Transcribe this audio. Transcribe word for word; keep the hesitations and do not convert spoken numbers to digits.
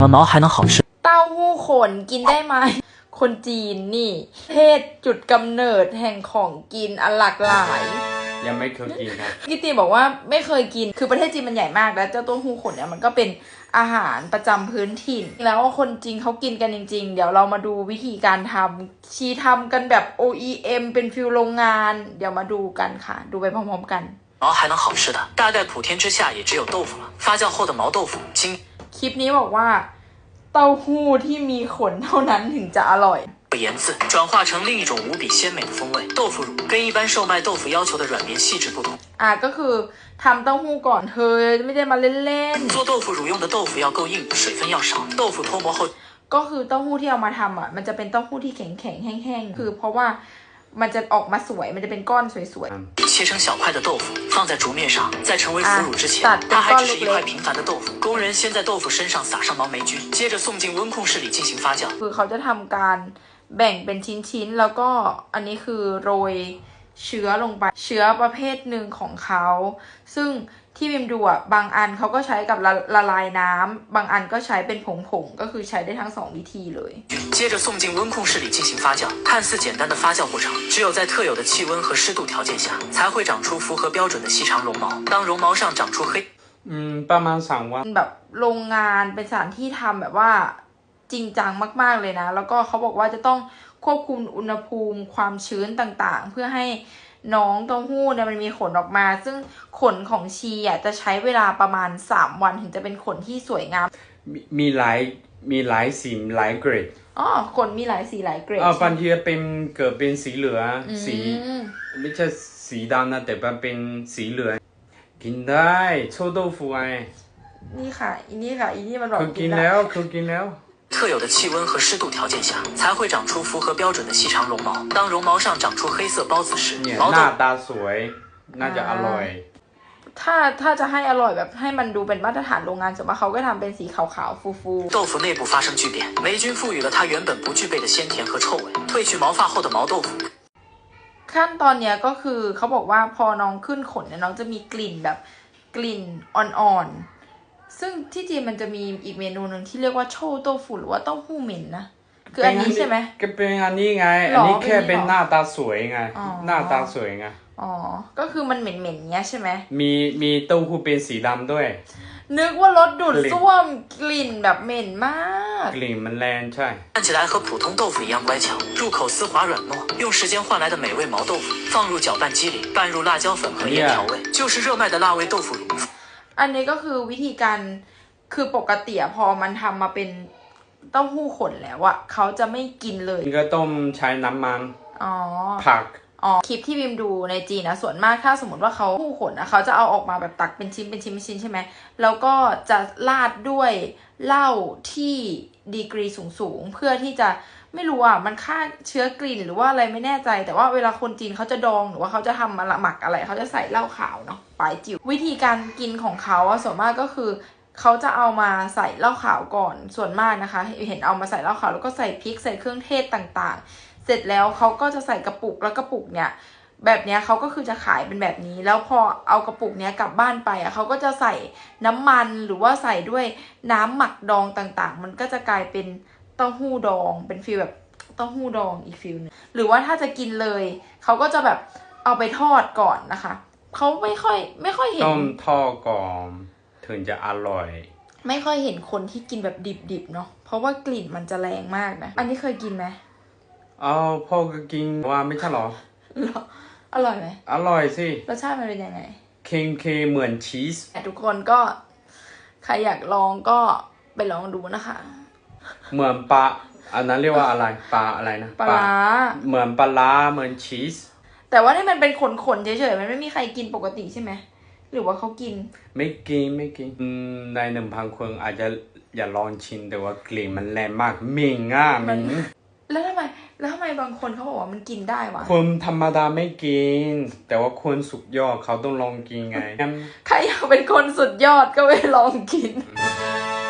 毛还能好吃。 เต้าหู้ขนกินได้ไหมคนจีนนี่เทศจุดกำเนิดแห่งของกินอันหลากหลายยังไม่เคยกินครับกิตีบอกว่าไม่เคยกินคือประเทศจีนมันใหญ่มากแล้วเจ้าเต้าหู้ขนเนี่ยมันก็เป็นอาหารประจำพื้นถิ่นแล้วคนจีนเขากินกันจริงๆเดี๋ยวเรามาดูวิธีการทำชีทำกันแบบ โอ อี เอ็ม เป็นฟิลโรงงานเดี๋ยวมาดูกันค่ะดูไปพร้อมๆกัน毛还能好吃的大概普天之下也只有豆腐了发酵后的毛豆腐经คลิปนี้บอกว่าเต้าหู้ที่มีขนเท่านั้นถึงจะอร่อย盐渍转化成另一种无比鲜美的风味豆腐乳跟一般售卖豆腐要求的软绵细致不同อ่ะก็คือทำเต้าหู้ก่อนเธอไม่ได้มาเล่นๆ做豆腐乳用的豆腐要够硬水分要少豆腐脱模后ก็คือเต้าหู้ที่เอามาทำอ่ะมันจะเป็นเต้าหู้ที่แข็งๆแห้งๆคือเพราะว่ามันจะออกมาสวยมันจะเป็นก้อนสวยๆ切成小块的豆腐放在竹面上在成为腐乳之前它还只是一块平凡的豆腐工人先在豆腐身上撒上毛霉菌接着送进温控室里进行发酵คือเขาจะทำการแบ่งเป็นชิ้นๆแล้วก็อันนี้คือโรยเชื้อลงไปเชื้อประเภทหนึ่งของเขาซึ่งที่บิมดูอ่ะบางอันเขาก็ใช้กับละละลายน้ำบางอันก็ใช้เป็นผงๆก็คือใช้ได้ทั้งสองวิธีเลย接着送进温控室里进行发酵看似简单的发酵过程只有在特有的气温和湿度条件下才会长出符合标准的细长绒毛当绒毛上长出黑อืมประมาณสามวันแบบโรงงานเป็นสถานที่ทำแบบว่าจริงจังมากๆเลยนะแล้วก็เขาบอกว่าจะต้องควบคุมอุณหภูมิความชื้นต่างๆเพื่อให้น้องเต้าหู้เนี่ยมันมีขนออกมาซึ่งขนของชีอ่ะจะใช้เวลาประมาณสามวันถึงจะเป็นขนที่สวยงามมีมีหลายมีหลายสีหลายเกรดอ๋อขนมีหลายสีหลายเกรดอ๋อบางทีเป็นเกิดเป็นสีเหลืองสีไม่ใช่สีดำนะแต่มันเป็นสีเหลืองกินได้臭豆腐ไงนี่ค่ะอีนี่ค่ะอีนี่มันบอกกินแล้วคือกินแล้ว特有的气温和湿度条件下，才会长出符合标准的细长绒毛。当绒毛上长出黑色包子时， 毛หน้าตาสวยน่าจะอร่อยถ้าถ้าจะให้อร่อยแบบให้มันดูเป็นมาตรฐานโรงงานส่วนมากเขาก็ทำเป็นสีขาวๆฟูๆ豆腐内部发生巨变霉菌赋予了它原本不具备的鲜甜和臭味褪去毛发后的毛豆腐ขั้นตอนเนี้ยก็คือเขาบอกว่าพอน้องขึ้นขนเนี่ยน้องจะมีกลิ่นแบบกลิ่นอ่อนๆซึ่งที่จีนมันจะมีอีกเมนูหนึ่งที่เรียกว่าโชโต้ฟูหรือว่าเต้าหู้เหม็นนะคืออันนี้ใช่ไหมก็เป็นอันนี้ไงอันนี้แค่เป็นหน้าตาสวยไงหน้าตาสวยไงอ๋อก็คือมันเหม็นๆเงี้ยใช่ไหมมีมีเต้าหู้เป็นสีดำด้วยนึกว่ารถดูดซ่วมกลิ่นแบบเหม็นมากกลิ่นมันแรงใช่看起来和普通豆腐一样乖巧入口丝滑软糯用时间换来的美味毛豆腐放入搅拌机里拌入辣椒粉和盐调味就是热卖的辣味豆腐乳อันนี้ก็คือวิธีการคือปกติพอมันทำมาเป็นเต้าหู้ขนแล้วอะเขาจะไม่กินเลยก็ต้มใช้น้ำมันอ๋อผักอ๋อคลิปที่บิมดูในจีนนะส่วนมากถ้าสมมติว่าเขาหู้ขนนะเขาจะเอาออกมาแบบตักเป็นชิ้นเป็นชิ้นเป็นชิ้นใช่ไหมแล้วก็จะราดด้วยเหล้าที่ดีกรีสูงๆเพื่อที่จะไม่รู้อ่ะมันฆ่าเชื้อกลิ่นหรือว่าอะไรไม่แน่ใจแต่ว่าเวลาคนจีนเขาจะดองหรือว่าเขาจะทำมาละหมักอะไรเขาจะใส่เหล้าขาวเนาะปลายจิ๋ววิธีการกินของเขาส่วนมากก็คือเขาจะเอามาใส่เหล้าขาวก่อนส่วนมากนะคะเห็นเอามาใส่เหล้าขาวแล้วก็ใส่พริกใส่เครื่องเทศต่างๆเสร็จแล้วเขาก็จะใส่กระปุกแล้วกระปุกเนี่ยแบบเนี้ยเขาก็คือจะขายเป็นแบบนี้แล้วพอเอากระปุกเนี้ยกลับบ้านไปอ่ะเขาก็จะใส่น้ำมันหรือว่าใส่ด้วยน้ำหมักดองต่างๆมันก็จะกลายเป็นเต้าหู้ดองเป็นฟีลแบบเต้าหู้ดองอีกฟิลนึงหรือว่าถ้าจะกินเลยเขาก็จะแบบเอาไปทอดก่อนนะคะเขาไม่ค่อยไม่ค่อยเห็นต้มทอดก่อนถึงจะอร่อยไม่ค่อยเห็นคนที่กินแบบดิบๆเนาะเพราะว่ากลิ่นมันจะแรงมากนะอันนี้เคยกินไหมอ๋อพ่อก็กินว่าไม่ใช่หรออร่อยไหมอร่อยสิรสชาติมันเป็นยังไงเค็มเค็มเหมือนชีสทุกคนก็ใครอยากลองก็ไปลองดูนะคะเหมือนปลาอันนั้นเรียกว่าอะไรปลาอะไรนะปลาเหมือนปลาล้าเหมือนชีสแต่ว่านี่มันเป็นขนๆเฉยๆมันไม่มีใครกินปกติใช่ไหมหรือว่าเขากินไม่กินไม่กินในหนึ่งพันคนอาจจะอย่าลองชิมแต่ว่ากลิ่นมันแรงมากเหม็นอ่ะเหม็นแล้วทำไมแล้วทำไมบางคนเขาบอกว่ามันกินได้วะคนธรรมดาไม่กินแต่ว่าคนสุดยอดเขาต้องลองกินไงใครอยากเป็นคนสุดยอดก็ไปลองกิน